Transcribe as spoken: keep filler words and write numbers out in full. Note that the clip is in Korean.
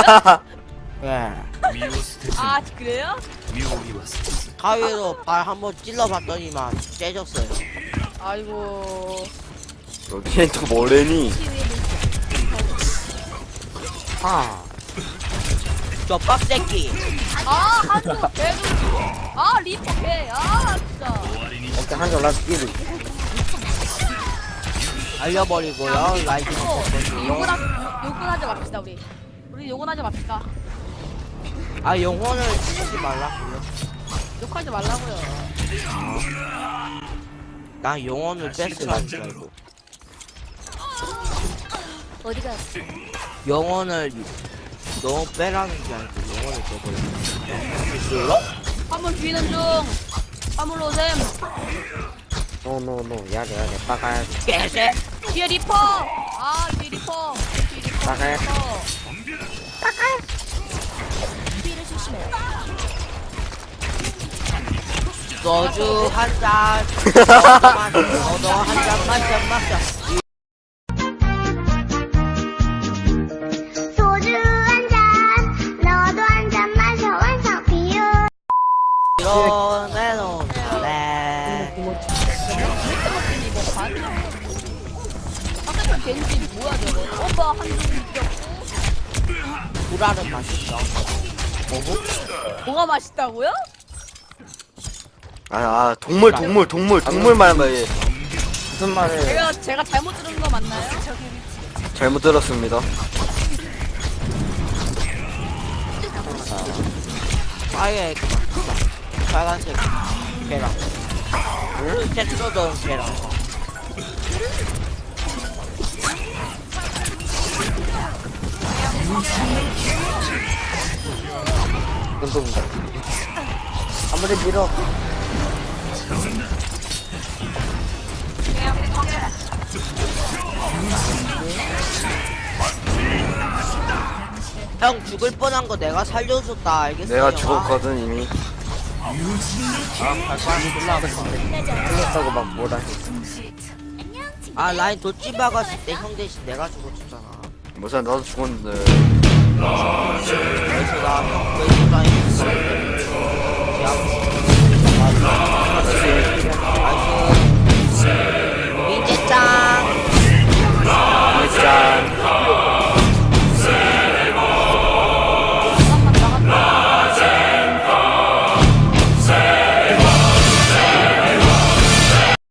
예. 아 그래요? 가위로 발 한번 찔러봤더니만 째졌어요. 아이고. 여기엔 또 뭐래니? 아. 저 빡새끼. 아 한조 개도. 아 리퍼 개. 아 진짜. 오케이 한점 라스 끼리. 알려버리고요. 라이트 어, 먹거든요. 욕은 하, 욕은 하지 맙시다 우리. 우리 욕은 하지 맙시다. 아 영혼을 쓰지 말라고요. 욕하지 말라고요. 나 영혼을 뺏으라는 줄 알고. 어디 갔어? 영혼을 너무 빼라는 줄 알고 영혼을 빼버렸어. 화물 뒤는 중. 화물로 오셈. 노노노 야래 야래 빠가야 개새. 뒤에 리퍼. 아 뒤에 리퍼. 뒤에 리퍼. 나가요. 리퍼. 소주 한 잔. 너도 한 잔 마셔 마셔. 소주 한 잔, 너도 한 잔 마셔 완성 비율. 이러내놓은 네. 아까 겐지 뭐야 저거? 오빠 한줄 이겼고. 구라는 맛있어. 뭐고? 뭐가 맛있다고요? 아, 아 동물 동물 동물 동물 말만 예. 무슨 말을 제가 제가 잘못 들은 거 맞나요? 잘못 들었습니다. 아예 빨간색 계란. 응? 제트로던 계란. 운동인가? 아무리 밀어. 형 죽을 뻔한 거 내가 살려줬다 알겠어요? 내가 죽었거든 이미. 틀렸다고 막 뭐라 해. 아 라인 도찌 박았을 때 형 대신 내가 죽어줬잖아. 뭐야 나도 죽었는데. 그래서 나형 왜 라인